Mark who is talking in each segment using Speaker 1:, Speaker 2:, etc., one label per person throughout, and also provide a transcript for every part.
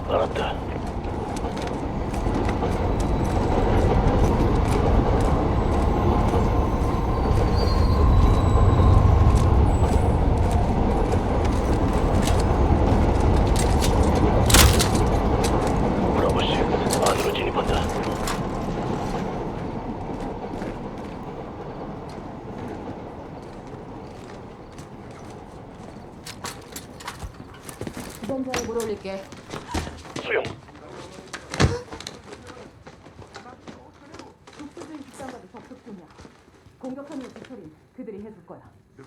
Speaker 1: 알았다. 브라보씨, 안으로 진입한다.
Speaker 2: 주변자에 물 올릴게.
Speaker 1: 수용.
Speaker 2: 독수주의 집단과도 접촉 중이야. 공격하는 디테일은 그들이 해줄 거야.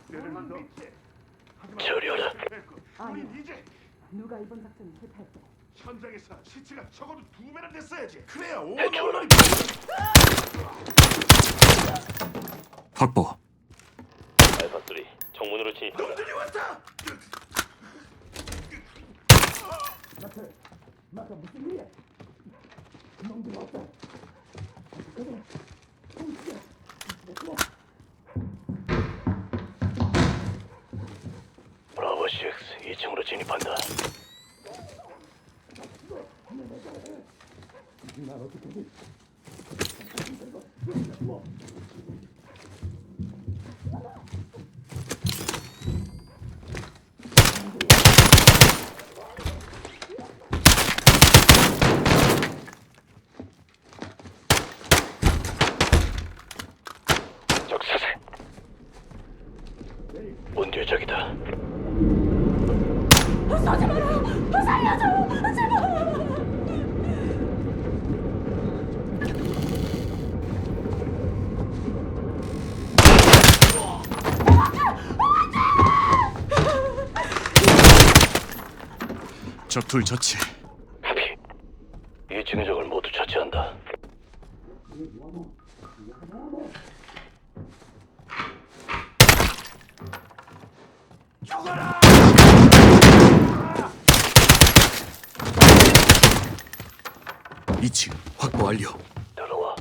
Speaker 1: 처리하라.
Speaker 2: 아니, 누가 이번 작전이 실패했대?
Speaker 3: 현장에서 시체가 적어도 2배나 됐어야지. 그래야
Speaker 1: 해치워라.
Speaker 4: 확보.
Speaker 1: 알파3, 정문으로 진입한다.
Speaker 3: 놈들이 왔다.
Speaker 2: 마카 무슨 일이야? 놈들 없다.
Speaker 1: 브라보 6, 2층으로 진입한다. 적사세. 문 뒤에 적이다.
Speaker 2: 쏘지 마라! 살려줘! 제발!
Speaker 4: 적둘 처치.
Speaker 1: 하피. 2층의 적을 모두 처치한다.
Speaker 3: 죽어라.
Speaker 4: 2층 확보 완료.
Speaker 1: 들어와.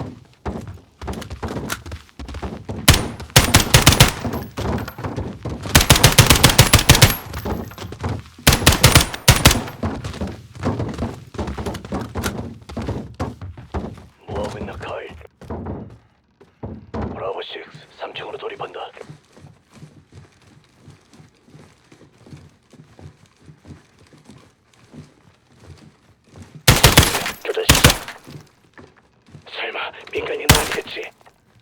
Speaker 1: 뭐하고 있나, 카일? 브라보 6, 3층으로 돌입한다. 교전 시작. 설마 민간인 아니겠지?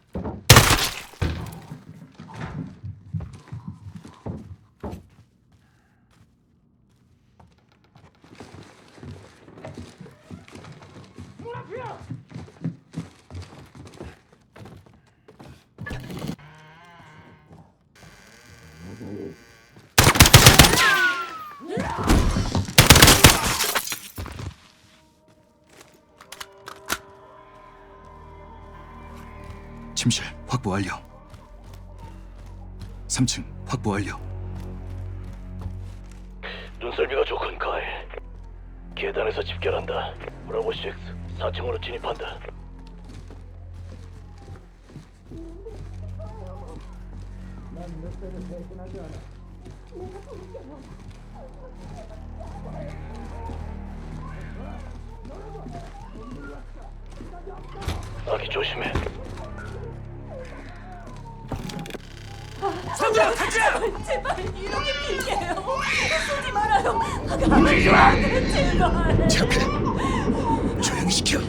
Speaker 4: 침실 확보 완료. 3층 확보 완료.
Speaker 1: 눈썰미가 좋군, 카일. 계단에서 집결한다. 브라보 6, 4층으로 진입한다. 아기 조심해.
Speaker 3: 상자 가자.
Speaker 2: 제발 이렇게 빌게요. 쏘지 말아요. 움직이지 마. 제발.
Speaker 4: 제 앞에 조용히 시켜.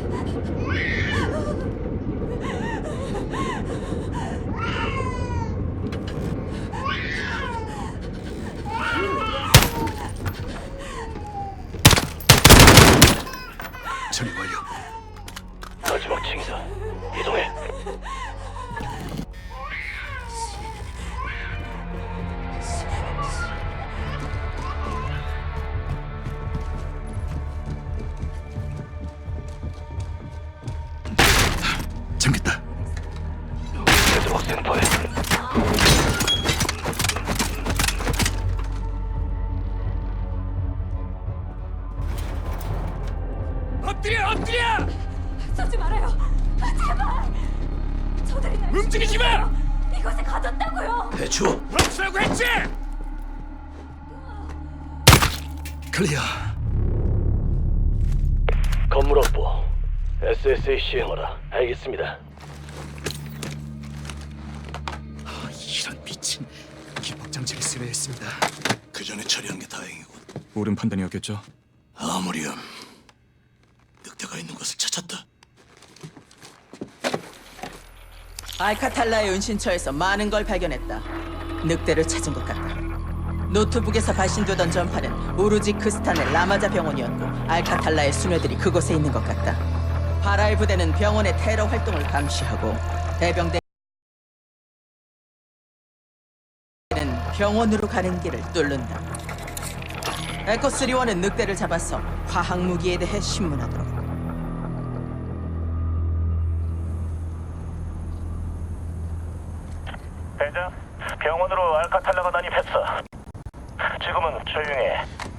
Speaker 4: 처리 완료.
Speaker 1: 마지막 층이다. 이동해.
Speaker 4: 잠겼다.
Speaker 1: 되도록 생포해.
Speaker 3: 엎드려 엎드려.
Speaker 2: 쏘지 말아요. 제발. 저들이 날
Speaker 3: 움직이지 마.
Speaker 2: 이곳에 가뒀다고요.
Speaker 4: 대추.
Speaker 3: 멈추라고 했지.
Speaker 4: 클리어.
Speaker 1: 건물 확보. SSA 시행하라. 알겠습니다.
Speaker 4: 이런 미친 기폭 장치를 쓰려 했습니다.
Speaker 5: 그 전에 처리한 게 다행이군.
Speaker 4: 옳은 판단이었겠죠.
Speaker 5: 아무렴. 늑대가 있는 곳을 찾았다.
Speaker 6: 알카탈라의 은신처에서 많은 걸 발견했다. 늑대를 찾은 것 같다. 노트북에서 발신되던 전파는 오로지 크스탄의 라마자 병원이었고 알카탈라의 수뇌들이 그곳에 있는 것 같다. 바라의 부대는 병원의 테러 활동을 감시하고 해병대는 병원으로 가는 길을 뚫는다. 에코3원은 늑대를 잡아서 화학 무기에 대해 신문하도록.
Speaker 1: 대장, 병원으로 알카탈라가 난입했어. 지금은 조용해.